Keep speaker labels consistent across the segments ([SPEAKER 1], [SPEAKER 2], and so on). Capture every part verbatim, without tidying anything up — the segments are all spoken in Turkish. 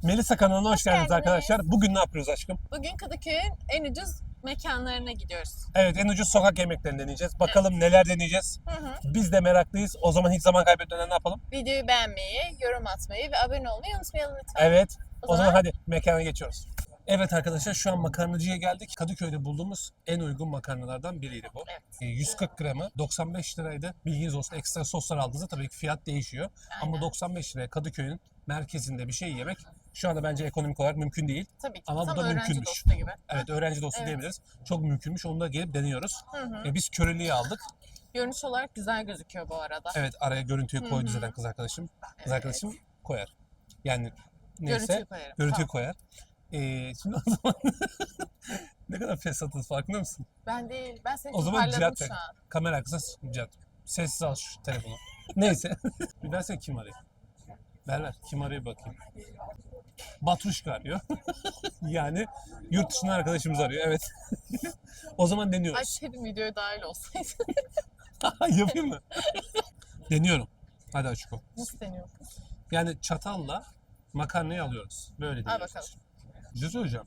[SPEAKER 1] Melisa kanalına hoş,
[SPEAKER 2] Hoş
[SPEAKER 1] geldiniz
[SPEAKER 2] geldiniz.
[SPEAKER 1] arkadaşlar. Bugün ne yapıyoruz aşkım?
[SPEAKER 2] Bugün Kadıköy'ün en ucuz mekanlarına gidiyoruz.
[SPEAKER 1] Evet, en ucuz sokak yemeklerini deneyeceğiz. Bakalım neler deneyeceğiz.
[SPEAKER 2] Hı hı.
[SPEAKER 1] Biz de meraklıyız. O zaman hiç zaman kaybetmeden ne yapalım?
[SPEAKER 2] Videoyu beğenmeyi, yorum atmayı ve abone olmayı unutmayalım lütfen.
[SPEAKER 1] Evet.
[SPEAKER 2] O
[SPEAKER 1] O zaman
[SPEAKER 2] zaman-
[SPEAKER 1] hadi mekana geçiyoruz. Evet arkadaşlar, şu an makarnacıya geldik. Kadıköy'de bulduğumuz en uygun makarnalardan biriydi bu.
[SPEAKER 2] Evet.
[SPEAKER 1] E, yüz kırk gramı doksan beş liraydı. Bilginiz olsun, ekstra soslar aldığınızda tabii ki fiyat değişiyor. Ama
[SPEAKER 2] Aynen.
[SPEAKER 1] doksan beş liraya Kadıköy'ün merkezinde bir şey yemek şu anda bence ekonomik olarak mümkün değil.
[SPEAKER 2] Tabii ki.
[SPEAKER 1] Ama bu
[SPEAKER 2] Tam
[SPEAKER 1] da
[SPEAKER 2] öğrenci
[SPEAKER 1] mümkünmüş.
[SPEAKER 2] dostu gibi.
[SPEAKER 1] Evet, öğrenci dostu
[SPEAKER 2] Evet.
[SPEAKER 1] diyebiliriz. Çok mümkünmüş. Onu da gelip deniyoruz.
[SPEAKER 2] Hı hı.
[SPEAKER 1] E, biz köreliği aldık.
[SPEAKER 2] Görünüş olarak güzel gözüküyor bu arada.
[SPEAKER 1] Evet, araya görüntüyü
[SPEAKER 2] Hı
[SPEAKER 1] koydu
[SPEAKER 2] hı.
[SPEAKER 1] zaten kız arkadaşım. Kız
[SPEAKER 2] Evet.
[SPEAKER 1] arkadaşım koyar. Yani neyse
[SPEAKER 2] Görüntüyü koyarım.
[SPEAKER 1] görüntüyü
[SPEAKER 2] Tamam.
[SPEAKER 1] koyar. Ee, şimdi o zaman ne kadar fesatız, farkında mısın?
[SPEAKER 2] Ben değil. Ben seni
[SPEAKER 1] O zaman
[SPEAKER 2] toparladım
[SPEAKER 1] Cihat
[SPEAKER 2] şu an.
[SPEAKER 1] kamera arkasına Cihat. Sessiz al şu telefonu. Neyse. Bir versene, kim arıyor? Ver ver. Kim arıyor bakayım. Batruşka arıyor. Yani yurt dışından arkadaşımız arıyor. Evet. O zaman
[SPEAKER 2] Ay
[SPEAKER 1] deniyoruz.
[SPEAKER 2] senin videoya dahil olsaydı.
[SPEAKER 1] Yapayım mı? Deniyorum. Hadi Açıko.
[SPEAKER 2] Nasıl deniyor?
[SPEAKER 1] Yani çatalla makarnayı alıyoruz. Böyle
[SPEAKER 2] Al
[SPEAKER 1] deniyoruz.
[SPEAKER 2] bakalım.
[SPEAKER 1] Bir şey söyleyeceğim.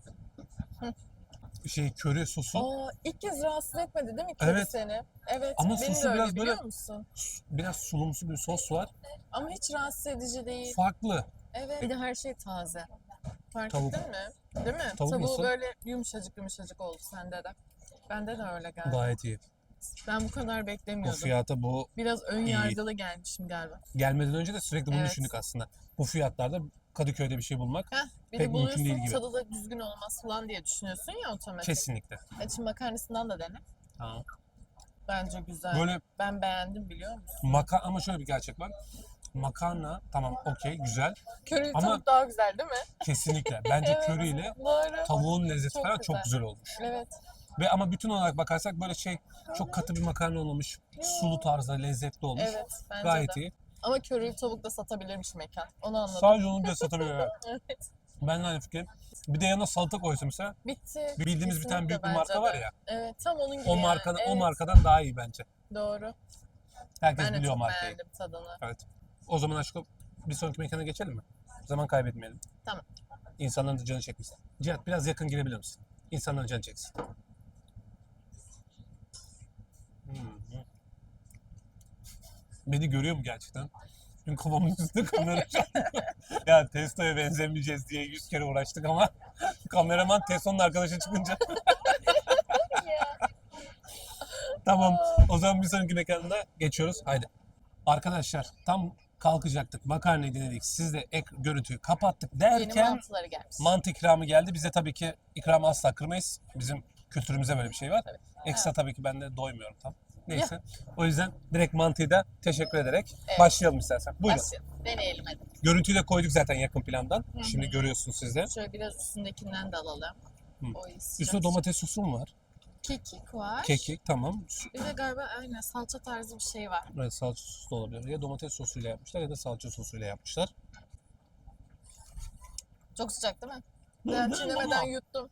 [SPEAKER 1] Şey, köri sosu
[SPEAKER 2] Aa, ilk kez rahatsız etmedi değil mi köri
[SPEAKER 1] Evet.
[SPEAKER 2] seni? Evet.
[SPEAKER 1] Ama
[SPEAKER 2] benim
[SPEAKER 1] sosu
[SPEAKER 2] de öyle,
[SPEAKER 1] biraz
[SPEAKER 2] biliyor
[SPEAKER 1] böyle-
[SPEAKER 2] musun?
[SPEAKER 1] biraz sulumsu bir sos var.
[SPEAKER 2] Ama hiç rahatsız edici değil.
[SPEAKER 1] Farklı.
[SPEAKER 2] Evet. Bir de her şey taze. Fark
[SPEAKER 1] Tavuk.
[SPEAKER 2] ettin mi? Değil mi?
[SPEAKER 1] Tavuk
[SPEAKER 2] Tavuğu
[SPEAKER 1] nasıl?
[SPEAKER 2] böyle yumuşacık yumuşacık oldu sende de. Bende de öyle geldi.
[SPEAKER 1] Gayet iyi.
[SPEAKER 2] Ben bu kadar
[SPEAKER 1] Bu
[SPEAKER 2] beklemiyordum.
[SPEAKER 1] fiyata bu
[SPEAKER 2] Biraz ön
[SPEAKER 1] İyi.
[SPEAKER 2] yargılı gelmişim galiba.
[SPEAKER 1] gelmeden önce de sürekli bunu
[SPEAKER 2] Evet.
[SPEAKER 1] düşündük aslında. Bu fiyatlarda Kadıköy'de bir şey bulmak
[SPEAKER 2] Heh, bir
[SPEAKER 1] Pek
[SPEAKER 2] de
[SPEAKER 1] mümkün değil
[SPEAKER 2] buluyorsun
[SPEAKER 1] gibi.
[SPEAKER 2] tadı da düzgün olmaz falan diye düşünüyorsun ya otomatik.
[SPEAKER 1] kesinlikle.
[SPEAKER 2] Hadi şimdi makarnasından da dene.
[SPEAKER 1] Tamam.
[SPEAKER 2] Bence güzel.
[SPEAKER 1] Böyle
[SPEAKER 2] Ben beğendim biliyor musun?
[SPEAKER 1] maka ama şöyle bir gerçek var. Makarna tamam, okey, güzel.
[SPEAKER 2] Köri
[SPEAKER 1] Ama-
[SPEAKER 2] tavuk daha güzel değil mi?
[SPEAKER 1] Kesinlikle. Bence
[SPEAKER 2] Evet,
[SPEAKER 1] köriyle
[SPEAKER 2] Doğru.
[SPEAKER 1] tavuğun lezzeti
[SPEAKER 2] Çok
[SPEAKER 1] falan çok
[SPEAKER 2] güzel.
[SPEAKER 1] güzel olmuş.
[SPEAKER 2] Evet.
[SPEAKER 1] Ve ama bütün olarak bakarsak böyle şey, çok katı bir makarna olmamış. Sulu tarzda lezzetli olmuş.
[SPEAKER 2] Evet. Bence
[SPEAKER 1] Gayet
[SPEAKER 2] de.
[SPEAKER 1] iyi.
[SPEAKER 2] Ama köri tavuk da satabilirmiş mekan. Onu anladım.
[SPEAKER 1] Sadece onu bile satabiliyor. Evet.
[SPEAKER 2] Evet.
[SPEAKER 1] Ben de aynı fikrim. Bir de yanına salata koysa mesela,
[SPEAKER 2] Bitti.
[SPEAKER 1] bildiğimiz bir tane
[SPEAKER 2] Kesinlikle
[SPEAKER 1] büyük bir
[SPEAKER 2] bence
[SPEAKER 1] marka
[SPEAKER 2] de.
[SPEAKER 1] var ya.
[SPEAKER 2] Evet. Tam onun gibi
[SPEAKER 1] O
[SPEAKER 2] yani.
[SPEAKER 1] markadan o
[SPEAKER 2] Evet,
[SPEAKER 1] markadan daha iyi bence.
[SPEAKER 2] Doğru.
[SPEAKER 1] Herkes
[SPEAKER 2] Ben de
[SPEAKER 1] biliyor
[SPEAKER 2] çok
[SPEAKER 1] markayı.
[SPEAKER 2] beğendim tadını.
[SPEAKER 1] Evet. O zaman aşkım bir sonraki mekana geçelim mi? Zaman kaybetmeyelim.
[SPEAKER 2] Tamam.
[SPEAKER 1] İnsanların da canı çekmesin. Cihat, biraz yakın girebilir misin? İnsanların canı çeksin. Hmm. Beni görüyor mu gerçekten? Çünkü kafamın üstünde kamera şu an. Ya Testo'ya benzemeyeceğiz diye yüz kere uğraştık ama kameraman Testo'nun arkadaşı çıkınca. Tamam. O zaman bir sonraki mekanına geçiyoruz. Haydi. Arkadaşlar, tam kalkacaktık. Makarnayı denedik. Siz de ek görüntüyü kapattık
[SPEAKER 2] Yeni
[SPEAKER 1] derken
[SPEAKER 2] mantıları gelmiş.
[SPEAKER 1] mantı ikramı geldi. Biz de tabii ki ikramı asla kırmayız. Bizim kültürümüze böyle bir şey var.
[SPEAKER 2] Tabii.
[SPEAKER 1] Ekstra
[SPEAKER 2] Evet.
[SPEAKER 1] tabii ki ben de doymuyorum tam. Neyse. O yüzden direkt mantıyı da teşekkür ederek
[SPEAKER 2] Evet.
[SPEAKER 1] başlayalım istersen. Buyurun.
[SPEAKER 2] Başlayalım. Deneyelim hadi.
[SPEAKER 1] Görüntüyü de koyduk zaten yakın plandan.
[SPEAKER 2] Hı hı.
[SPEAKER 1] Şimdi görüyorsunuz siz de.
[SPEAKER 2] Şöyle biraz üstündekinden de alalım.
[SPEAKER 1] Hı.
[SPEAKER 2] O iyi sıcak
[SPEAKER 1] Üstüne domates sosu mu var?
[SPEAKER 2] Kekik var.
[SPEAKER 1] Kekik, tamam.
[SPEAKER 2] Bir de galiba aynen salça tarzı bir şey var.
[SPEAKER 1] Evet, salça sosu da olabilir. Ya domates sosuyla yapmışlar ya da salça sosuyla yapmışlar.
[SPEAKER 2] Çok sıcak değil mi? Ben çiğnemeden yuttum.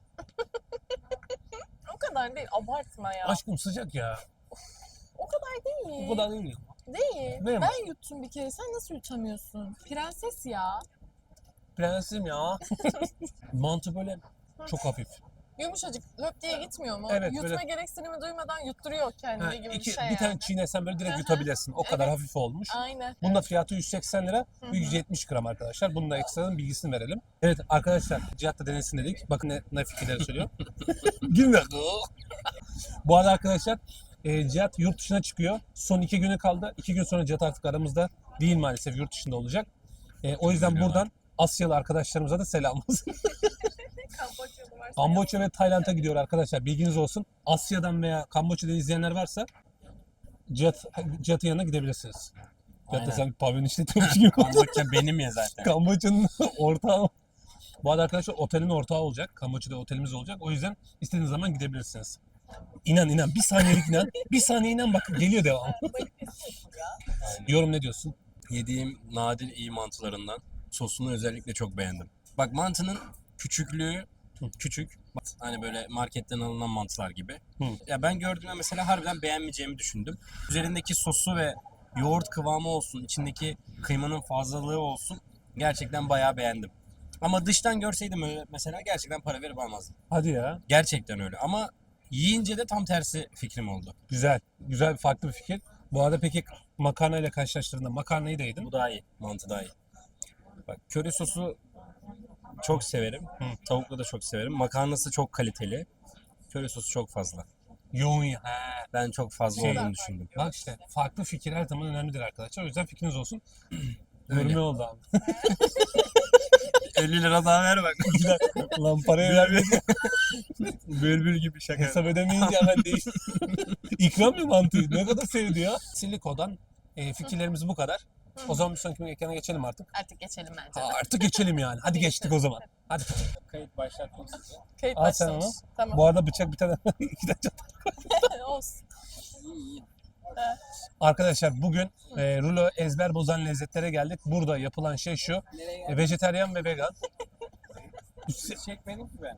[SPEAKER 2] O kadar değil. Abartma ya.
[SPEAKER 1] Aşkım sıcak ya.
[SPEAKER 2] O kadar değil.
[SPEAKER 1] O kadar değil ya.
[SPEAKER 2] Değil.
[SPEAKER 1] Değil mi?
[SPEAKER 2] Ben yuttum bir kere. Sen nasıl yutamıyorsun? Prenses ya.
[SPEAKER 1] Prensim ya. Mantı böyle çok hafif.
[SPEAKER 2] Yumuşacık löp diye gitmiyor mu?
[SPEAKER 1] Evet,
[SPEAKER 2] Yutma
[SPEAKER 1] böyle-
[SPEAKER 2] gereksinimi duymadan yutturuyor kendini
[SPEAKER 1] Ha,
[SPEAKER 2] gibi
[SPEAKER 1] iki,
[SPEAKER 2] bir şey
[SPEAKER 1] bir
[SPEAKER 2] yani.
[SPEAKER 1] tane çiğnesen böyle direkt
[SPEAKER 2] Aha.
[SPEAKER 1] yutabilirsin. O kadar
[SPEAKER 2] Evet.
[SPEAKER 1] hafif olmuş.
[SPEAKER 2] Aynen.
[SPEAKER 1] Bunun da fiyatı yüz seksen lira
[SPEAKER 2] Hı
[SPEAKER 1] ve
[SPEAKER 2] hı.
[SPEAKER 1] yüz yetmiş gram arkadaşlar. Bunun da ekstradan bilgisini verelim. Evet arkadaşlar, Cihat da denesin dedik. Bakın ne, ne fikirleri söylüyor. Gülme. Bu arada arkadaşlar, e, Cihat yurt dışına çıkıyor. Son iki günü kaldı. İki gün sonra Cihat artık aramızda değil, maalesef yurt dışında olacak. E, o yüzden buradan Asyalı arkadaşlarımıza da selam olsun.
[SPEAKER 2] Kamboçyalı varsa
[SPEAKER 1] Kamboçya ve Tayland'a gidiyor arkadaşlar. Bilginiz olsun. Asya'dan veya Kamboçya'dan izleyenler varsa Cihat, Cihat'ın yanına gidebilirsiniz. Cihat da
[SPEAKER 3] Aynen.
[SPEAKER 1] sen pavyon işletiyormuş gibi.
[SPEAKER 3] Kamboçya benim ya zaten.
[SPEAKER 1] Kamboçya'nın ortağı. Bu arada arkadaşlar otelin ortağı olacak. Kamboçya'da otelimiz olacak. O yüzden istediğiniz zaman gidebilirsiniz. İnan inan. Bir saniyelik inan. Bir saniye inan, bak geliyor devam. Yorum ne diyorsun?
[SPEAKER 3] Yediğim nadir iyi mantılarından. Sosunu özellikle çok beğendim. Bak mantının küçüklüğü küçük. Hani böyle marketten alınan mantılar gibi.
[SPEAKER 1] Hı.
[SPEAKER 3] Ya ben gördüğümde mesela harbiden beğenmeyeceğimi düşündüm. Üzerindeki sosu ve yoğurt kıvamı olsun, içindeki kıymanın fazlalığı olsun. Gerçekten bayağı beğendim. Ama dıştan görseydim öyle mesela gerçekten para verip almazdım.
[SPEAKER 1] Hadi ya.
[SPEAKER 3] Gerçekten öyle ama yiyince de tam tersi fikrim oldu.
[SPEAKER 1] Güzel. Güzel, farklı bir fikir. Bu arada peki makarna ile karşılaştırdığında makarnayı da yedin.
[SPEAKER 3] Bu daha iyi. Mantı daha iyi. Bak köri sosu çok severim.
[SPEAKER 1] Hı.
[SPEAKER 3] Tavuklu da çok severim. Makarnası çok kaliteli. Köri sosu çok fazla.
[SPEAKER 1] Yoğun ya. He.
[SPEAKER 3] Ben çok fazla
[SPEAKER 1] Şey-
[SPEAKER 3] olduğunu düşündüm.
[SPEAKER 1] Bak işte farklı fikir her zaman önemlidir arkadaşlar. O yüzden fikriniz olsun.
[SPEAKER 3] Öyle.
[SPEAKER 1] Gurme oldu abi.
[SPEAKER 3] elli lira daha ver bak.
[SPEAKER 1] Lan parayı vermedi.
[SPEAKER 3] Bülbül gibi şaka.
[SPEAKER 1] Hesap ödemeyince hemen değil. İkram mı mantığı? Ne kadar sevdi ya. Siliko'dan e, fikirlerimiz bu kadar. O zaman bir sonraki ekrana geçelim artık.
[SPEAKER 2] Artık geçelim bence
[SPEAKER 1] Ha,
[SPEAKER 2] de.
[SPEAKER 1] artık geçelim yani. Hadi geçtik o zaman. Hadi.
[SPEAKER 3] Kayıt başlattım size.
[SPEAKER 2] Kayıt
[SPEAKER 1] Al sen
[SPEAKER 2] başlamış.
[SPEAKER 1] onu.
[SPEAKER 2] Tamam.
[SPEAKER 1] Bu arada bıçak bir tane iki tane çatal.
[SPEAKER 2] Olsun.
[SPEAKER 1] Arkadaşlar bugün e, rulo ezber bozan lezzetlere geldik. Burada yapılan şey şu. E, vejetaryen ve vegan.
[SPEAKER 3] Çekmedim ki ben.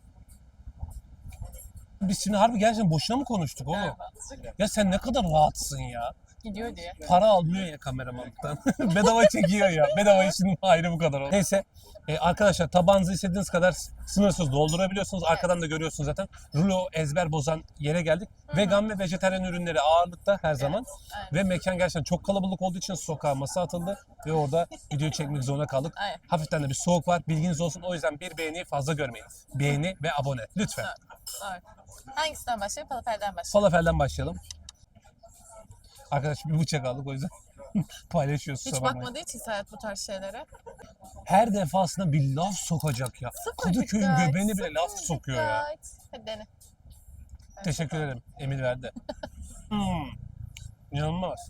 [SPEAKER 1] Biz şimdi harbi gerçekten boşuna mı konuştuk oğlum?
[SPEAKER 2] Evet.
[SPEAKER 1] Ya sen ne kadar rahatsın ya.
[SPEAKER 2] Gidiyor diye.
[SPEAKER 1] Para almıyor ya kameramanlıktan. Bedava çekiyor ya. Bedava işinin ayrı bu kadar oldu. Neyse e, arkadaşlar tabağınızı istediğiniz kadar sınırsız doldurabiliyorsunuz. Arkadan da görüyorsunuz zaten. Rulo ezber bozan yere geldik. Vegan ve vejetaryen ürünleri ağırlıkta her zaman.
[SPEAKER 2] Aynen.
[SPEAKER 1] Ve mekan gerçekten çok kalabalık olduğu için sokağa masa atıldı. Ve orada video çekmek zorunda kaldık.
[SPEAKER 2] Aynen.
[SPEAKER 1] Hafiften de bir soğuk var. Bilginiz olsun. O yüzden bir beğeniyi fazla görmeyin. Beğeni ve abone. Lütfen.
[SPEAKER 2] Evet. Hangisinden başlayalım? Falafelden başlayalım.
[SPEAKER 1] Falafelden başlayalım. Arkadaş bir bıçak aldık o yüzden paylaşıyoruz.
[SPEAKER 2] Hiç
[SPEAKER 1] kusura bakmayın.
[SPEAKER 2] bakmadığı için Serhat bu tarz şeylere.
[SPEAKER 1] Her defasında bir laf sokacak ya.
[SPEAKER 2] Sıfır
[SPEAKER 1] Kadıköy'ün
[SPEAKER 2] dikkat,
[SPEAKER 1] göbeğine bile
[SPEAKER 2] sıfır
[SPEAKER 1] laf sokuyor ya.
[SPEAKER 2] dikkat. Hadi dene.
[SPEAKER 1] Teşekkür ederim. Emir verdi. Hmm. İnanılmaz.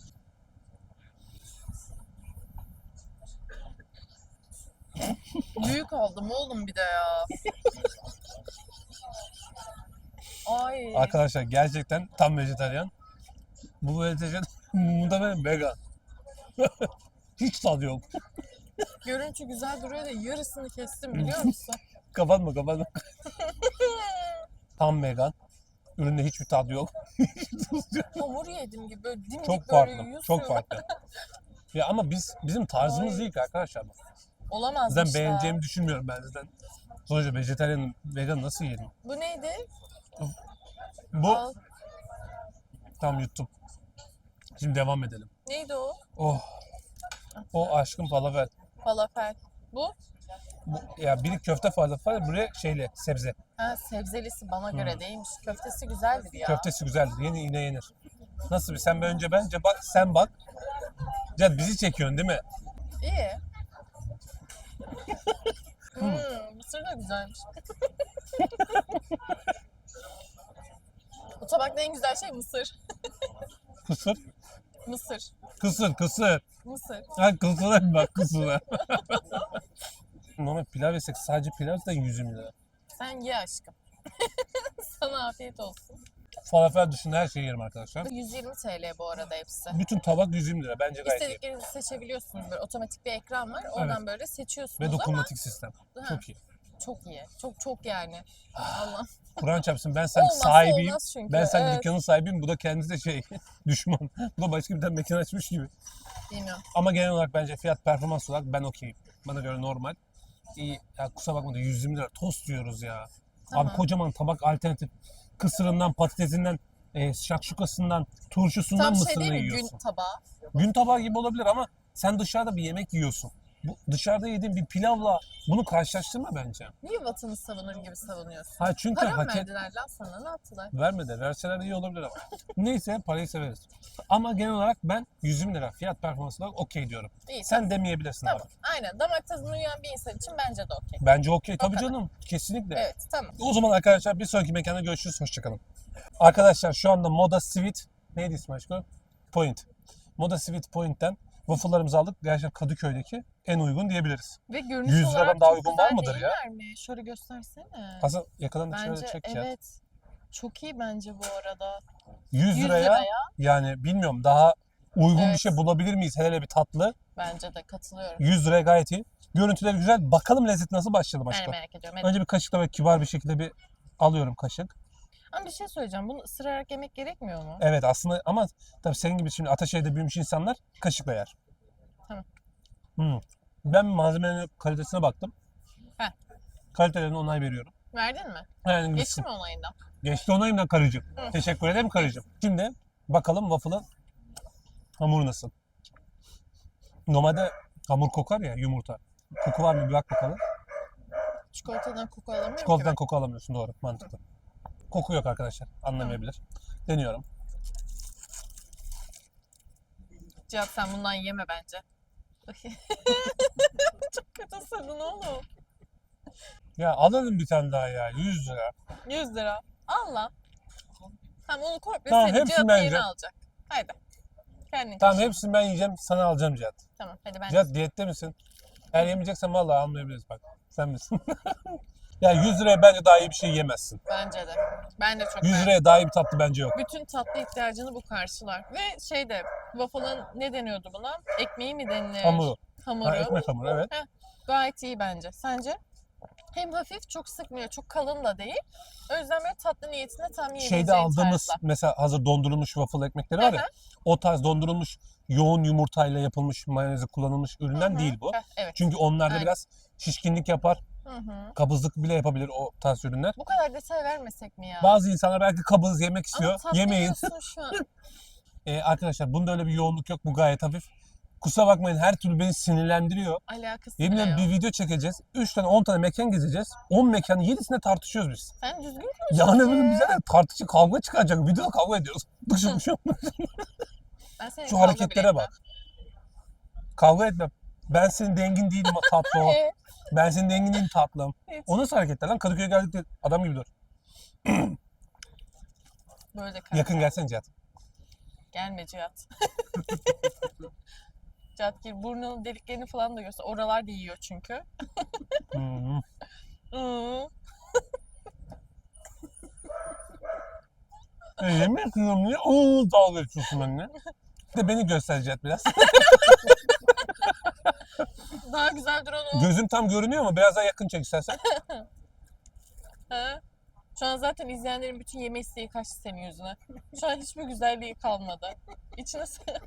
[SPEAKER 2] Büyük oldum oğlum bir de ya. Ay.
[SPEAKER 1] Arkadaşlar gerçekten tam vejetaryen. Bu vejetaryen muhtemelen vegan. Hiç tadı yok.
[SPEAKER 2] Görüntü güzel duruyor da yarısını kestim biliyor musun?
[SPEAKER 1] Kapatma kapatma. Tam vegan. Üründe hiçbir tadı yok.
[SPEAKER 2] Hamur yedim gibi böyle dimdik
[SPEAKER 1] Çok
[SPEAKER 2] böyle
[SPEAKER 1] farklı.
[SPEAKER 2] yiyorsun.
[SPEAKER 1] Çok farklı. Ya ama biz bizim tarzımız
[SPEAKER 2] Ay.
[SPEAKER 1] değil ki arkadaşlar.
[SPEAKER 2] Olamazmış
[SPEAKER 1] Zaten
[SPEAKER 2] da.
[SPEAKER 1] beğeneceğimi düşünmüyorum ben zaten. Sonuçta vejetaryen, vegan nasıl yerim?
[SPEAKER 2] Bu neydi?
[SPEAKER 1] Bu
[SPEAKER 2] Al.
[SPEAKER 1] tam yuttum. Şimdi devam edelim.
[SPEAKER 2] Neydi o?
[SPEAKER 1] Oh. O aşkım falafel.
[SPEAKER 2] Falafel. Bu?
[SPEAKER 1] Bu, ya biri köfte falafel, buraya şeyle sebze.
[SPEAKER 2] Ha sebzelisi bana göre değilmiş. Köftesi güzeldir ya.
[SPEAKER 1] Köftesi güzeldir. Yeni yine yenir. Nasıl bir sen bir önce bence bak sen bak. Can bizi çekiyorsun değil mi?
[SPEAKER 2] İyi. hmm, mısır da güzelmiş. Bu tabakta en güzel şey mısır.
[SPEAKER 1] Kısır.
[SPEAKER 2] Mısır.
[SPEAKER 1] Kısır kısır.
[SPEAKER 2] Mısır.
[SPEAKER 1] Ha kısıra bak kısıra. Normal pilav yesek sadece pilav da yüz yirmi lira.
[SPEAKER 2] Sen ye aşkım. Sana afiyet olsun.
[SPEAKER 1] Falafel dışında her şeyi yerim arkadaşlar.
[SPEAKER 2] yüz yirmi T L bu arada hepsi.
[SPEAKER 1] Bütün tabak yüz yirmi lira. Bence gayet iyi.
[SPEAKER 2] İstediklerinizi seçebiliyorsunuz. Böyle otomatik bir ekran var. Oradan böyle seçiyorsunuz
[SPEAKER 1] Ve
[SPEAKER 2] ama
[SPEAKER 1] dokunmatik sistem.
[SPEAKER 2] Ha.
[SPEAKER 1] Çok iyi.
[SPEAKER 2] çok iyi. Çok çok yani. Allah.
[SPEAKER 1] Kur'an çarpsın ben sanki
[SPEAKER 2] Olmazsa
[SPEAKER 1] sahibiyim.
[SPEAKER 2] olmaz çünkü.
[SPEAKER 1] Ben sanki
[SPEAKER 2] Evet.
[SPEAKER 1] dükkanın sahibiyim. Bu da kendisi de şey düşman. Bu da başka bir tane mekan açmış gibi.
[SPEAKER 2] Bilmiyorum.
[SPEAKER 1] Ama genel olarak bence fiyat performans olarak ben okeyim. Bana göre normal. İyi. Ya kusura bakma da yüz yirmi lira tost diyoruz ya.
[SPEAKER 2] Tamam.
[SPEAKER 1] Abi kocaman tabak alternatif. Kısırından, patatesinden, e, şakşukasından, turşusundan
[SPEAKER 2] Tam şey
[SPEAKER 1] mısırını
[SPEAKER 2] değil mi?
[SPEAKER 1] yiyorsun.
[SPEAKER 2] Gün tabağı.
[SPEAKER 1] Gün tabağı gibi olabilir ama sen dışarıda bir yemek yiyorsun. Bu dışarıda yediğin bir pilavla bunu karşılaştırma bence.
[SPEAKER 2] Niye vatanı savunur gibi savunuyorsun?
[SPEAKER 1] Ha çünkü
[SPEAKER 2] Para mı
[SPEAKER 1] hak et
[SPEAKER 2] verdiler lan sana? Ne yaptılar?
[SPEAKER 1] vermedi. Verseler iyi olabilir ama. Neyse parayı severiz. Ama genel olarak ben yüz yirmi lira fiyat performans olarak okey diyorum.
[SPEAKER 2] İyi.
[SPEAKER 1] Sen demeyebilirsin
[SPEAKER 2] Tamam.
[SPEAKER 1] abi.
[SPEAKER 2] Aynen. Damak tadına uyan bir insan için bence de okey.
[SPEAKER 1] Bence okey. Tabii
[SPEAKER 2] kadar.
[SPEAKER 1] canım. Kesinlikle.
[SPEAKER 2] Evet. Tamam.
[SPEAKER 1] O zaman arkadaşlar bir sonraki mekanda görüşürüz. Hoşçakalın. Arkadaşlar şu anda Moda Sweet neydi ismi aşkım? Point. Moda Sweet Point'ten waffle'larımızı aldık. Gerçekten Kadıköy'deki en uygun diyebiliriz.
[SPEAKER 2] Ve görünüş
[SPEAKER 1] yüz
[SPEAKER 2] olarak
[SPEAKER 1] liradan daha
[SPEAKER 2] çok
[SPEAKER 1] uygun
[SPEAKER 2] güzel
[SPEAKER 1] var mıdır ya?
[SPEAKER 2] değiller mi? Şöyle göstersene.
[SPEAKER 1] Hasan yakadan da şöyle
[SPEAKER 2] Bence
[SPEAKER 1] çek ya.
[SPEAKER 2] evet. Çok iyi bence bu arada.
[SPEAKER 1] yüz
[SPEAKER 2] yüz
[SPEAKER 1] liraya,
[SPEAKER 2] liraya
[SPEAKER 1] yani bilmiyorum daha uygun bir
[SPEAKER 2] Evet.
[SPEAKER 1] şey bulabilir miyiz? Hele hele bir tatlı.
[SPEAKER 2] bence de katılıyorum.
[SPEAKER 1] yüz liraya gayet iyi. Görüntüleri güzel. Bakalım lezzet nasıl başlayalım
[SPEAKER 2] Ben de
[SPEAKER 1] aşkım.
[SPEAKER 2] merak ediyorum. Evet.
[SPEAKER 1] Önce bir kaşıkla ve kibar bir şekilde bir alıyorum kaşık.
[SPEAKER 2] Ama bir şey söyleyeceğim. Bunu ısırarak yemek gerekmiyor mu?
[SPEAKER 1] Evet aslında ama tabii senin gibi şimdi Ataşehir'de büyümüş insanlar kaşıkla yer.
[SPEAKER 2] Tamam.
[SPEAKER 1] Hmm. Ben malzemenin kalitesine baktım.
[SPEAKER 2] Heh.
[SPEAKER 1] Kalitelerine onay veriyorum.
[SPEAKER 2] Verdin mi?
[SPEAKER 1] Yani
[SPEAKER 2] Geçti mi onayından?
[SPEAKER 1] Geçti onayımdan karıcığım.
[SPEAKER 2] Hı.
[SPEAKER 1] Teşekkür ederim karıcığım. Şimdi bakalım waffle'ın hamuru nasıl? Normalde hamur kokar ya yumurta. Koku var mı bir bak bakalım.
[SPEAKER 2] Çikolatadan koku alamıyorum
[SPEAKER 1] Çikolatadan
[SPEAKER 2] ki
[SPEAKER 1] koku alamıyorsun, doğru, mantıklı. Koku yok arkadaşlar, anlamayabilir. Deniyorum.
[SPEAKER 2] ben. Cihat sen bundan yeme bence. Çok kötü ısırdın oğlum.
[SPEAKER 1] Ya alalım bir tane daha ya, yüz lira.
[SPEAKER 2] yüz lira. Al lan. Tamam onu komple
[SPEAKER 1] Tamam,
[SPEAKER 2] senin.
[SPEAKER 1] hepsini
[SPEAKER 2] Cihat
[SPEAKER 1] ben
[SPEAKER 2] yeni
[SPEAKER 1] yiyeceğim.
[SPEAKER 2] alacak. Haydi. Kendin
[SPEAKER 1] Tamam,
[SPEAKER 2] kaç.
[SPEAKER 1] hepsini ben yiyeceğim, sana alacağım Cihat.
[SPEAKER 2] Tamam hadi ben.
[SPEAKER 1] Cihat diyette misin? Eğer yemeyeceksen vallahi almayabiliriz bak. Sen misin? Ya yüz liraya bence daha iyi bir şey yemezsin.
[SPEAKER 2] Bence de. Ben de çok
[SPEAKER 1] yüz
[SPEAKER 2] beğendim.
[SPEAKER 1] liraya daha iyi bir tatlı bence yok.
[SPEAKER 2] Bütün tatlı ihtiyacını bu karşılar. Ve şeyde waffle'ın ne deniyordu buna? Ekmeği mi denilir?
[SPEAKER 1] Hamuru.
[SPEAKER 2] Hamuru.
[SPEAKER 1] Ha, ekmek hamuru, evet.
[SPEAKER 2] Gayet iyi bence. Sence? Hem hafif, çok sıkmıyor, çok kalın da değil. O yüzden böyle tatlı niyetine tam yiyebileceğin
[SPEAKER 1] Şeyde aldığımız
[SPEAKER 2] tarzda.
[SPEAKER 1] mesela hazır dondurulmuş waffle ekmekleri var ya. O tarz dondurulmuş yoğun yumurtayla yapılmış mayonezi kullanılmış üründen
[SPEAKER 2] Hı hı.
[SPEAKER 1] değil bu.
[SPEAKER 2] Heh, evet.
[SPEAKER 1] Çünkü onlarda
[SPEAKER 2] Aynen.
[SPEAKER 1] biraz şişkinlik yapar,
[SPEAKER 2] Hı hı.
[SPEAKER 1] kabızlık bile yapabilir o tarz ürünler.
[SPEAKER 2] Bu kadar detay vermesek mi ya?
[SPEAKER 1] Bazı insanlar belki kabız yemek
[SPEAKER 2] Ama
[SPEAKER 1] istiyor.
[SPEAKER 2] tatlı
[SPEAKER 1] Yemeyin.
[SPEAKER 2] yiyorsun şu an.
[SPEAKER 1] Ee, arkadaşlar bunda öyle bir yoğunluk yok. Bu gayet hafif. Kusura bakmayın, her türlü beni sinirlendiriyor.
[SPEAKER 2] Alakası
[SPEAKER 1] Yemin
[SPEAKER 2] bile
[SPEAKER 1] ederim
[SPEAKER 2] yok.
[SPEAKER 1] bir video çekeceğiz. üç tane on tane mekan gezeceğiz. on mekanın yedisinde tartışıyoruz biz.
[SPEAKER 2] Sen düzgün konuş.
[SPEAKER 1] Yani
[SPEAKER 2] hadi.
[SPEAKER 1] böyle bize de tartışıp kavga çıkacak. Videoda kavga ediyoruz. Dışı dışı.
[SPEAKER 2] Ben senin
[SPEAKER 1] Şu
[SPEAKER 2] kavga
[SPEAKER 1] hareketlere
[SPEAKER 2] bile
[SPEAKER 1] bak. Kavga etmem. Ben senin dengin değilim tatlı o.
[SPEAKER 2] etmem. Ee,
[SPEAKER 1] Ben senin dengin değilim tatlım.
[SPEAKER 2] hiç.
[SPEAKER 1] O nasıl hareketler lan? Kadıköy'e geldik de adam gibi dur.
[SPEAKER 2] Böyle de kal.
[SPEAKER 1] Yakın gelsene Cihat.
[SPEAKER 2] Gelme Cihat. Cihat gir burnunun deliklerini falan da göster. Oralar da yiyor çünkü.
[SPEAKER 1] Hmm.
[SPEAKER 2] Iı.
[SPEAKER 1] E, yemin ediyorum niye? Oo, dalga geçiyorsun benimle. Bir de beni göster Cihat biraz.
[SPEAKER 2] Daha güzel duran o.
[SPEAKER 1] Gözüm tam görünüyor ama biraz daha yakın çek istersen.
[SPEAKER 2] Ha? Şu an zaten izleyenlerin bütün yeme isteği kaçtı senin yüzüne. Şu an hiçbir güzelliği kalmadı. İçine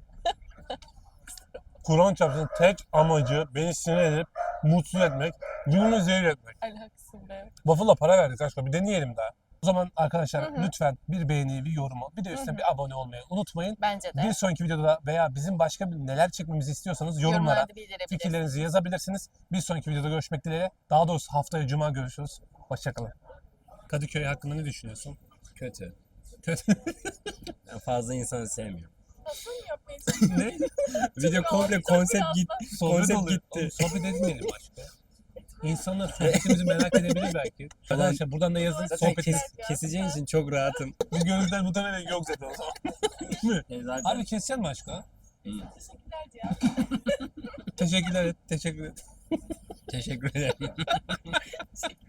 [SPEAKER 1] Kur'an çarpsın tek amacı beni sinir edip mutsuz etmek, günümü zehir etmek.
[SPEAKER 2] alakasın be.
[SPEAKER 1] Waffle'la para verdik aşkım, bir deneyelim daha. O zaman arkadaşlar
[SPEAKER 2] Hı hı.
[SPEAKER 1] lütfen bir beğeni, bir yorumu, bir de üstüne
[SPEAKER 2] Hı hı.
[SPEAKER 1] bir abone olmayı unutmayın.
[SPEAKER 2] Bence de.
[SPEAKER 1] Bir sonraki videoda veya bizim başka bir neler çekmemizi istiyorsanız yorumlara
[SPEAKER 2] Yorumlarda bildirebilirsiniz.
[SPEAKER 1] fikirlerinizi yazabilirsiniz. Bir sonraki videoda görüşmek dileğiyle. Daha doğrusu haftaya cuma görüşürüz. Hoşçakalın. Kadıköy hakkında ne düşünüyorsun?
[SPEAKER 3] Kötü.
[SPEAKER 1] Kötü.
[SPEAKER 3] Ben fazla insanı sevmiyorum.
[SPEAKER 2] Nasıl yapmayı çalışıyorsun?
[SPEAKER 1] Ne?
[SPEAKER 3] Video komple
[SPEAKER 2] Çok
[SPEAKER 3] konsept
[SPEAKER 2] biraz
[SPEAKER 3] git,
[SPEAKER 1] Sohbet
[SPEAKER 3] konsept
[SPEAKER 1] oluyor.
[SPEAKER 3] gitti.
[SPEAKER 1] Oğlum, sohbet etmeyelim başka. İnsanlar sohbetimizi merak edebilir belki. Arkadaşlar buradan da yazın.
[SPEAKER 3] Zaten
[SPEAKER 1] Sohbet
[SPEAKER 3] kes,
[SPEAKER 2] ya.
[SPEAKER 3] keseceğin için çok rahatım.
[SPEAKER 1] Bu görüntüler muhtemelen yok zaten o zaman. Değil mi?
[SPEAKER 3] E zaten
[SPEAKER 1] Abi keseceksin mi aşkım?
[SPEAKER 2] Teşekkürler Cihat.
[SPEAKER 1] Teşekkürler et. Teşekkür et.
[SPEAKER 3] teşekkür ederim.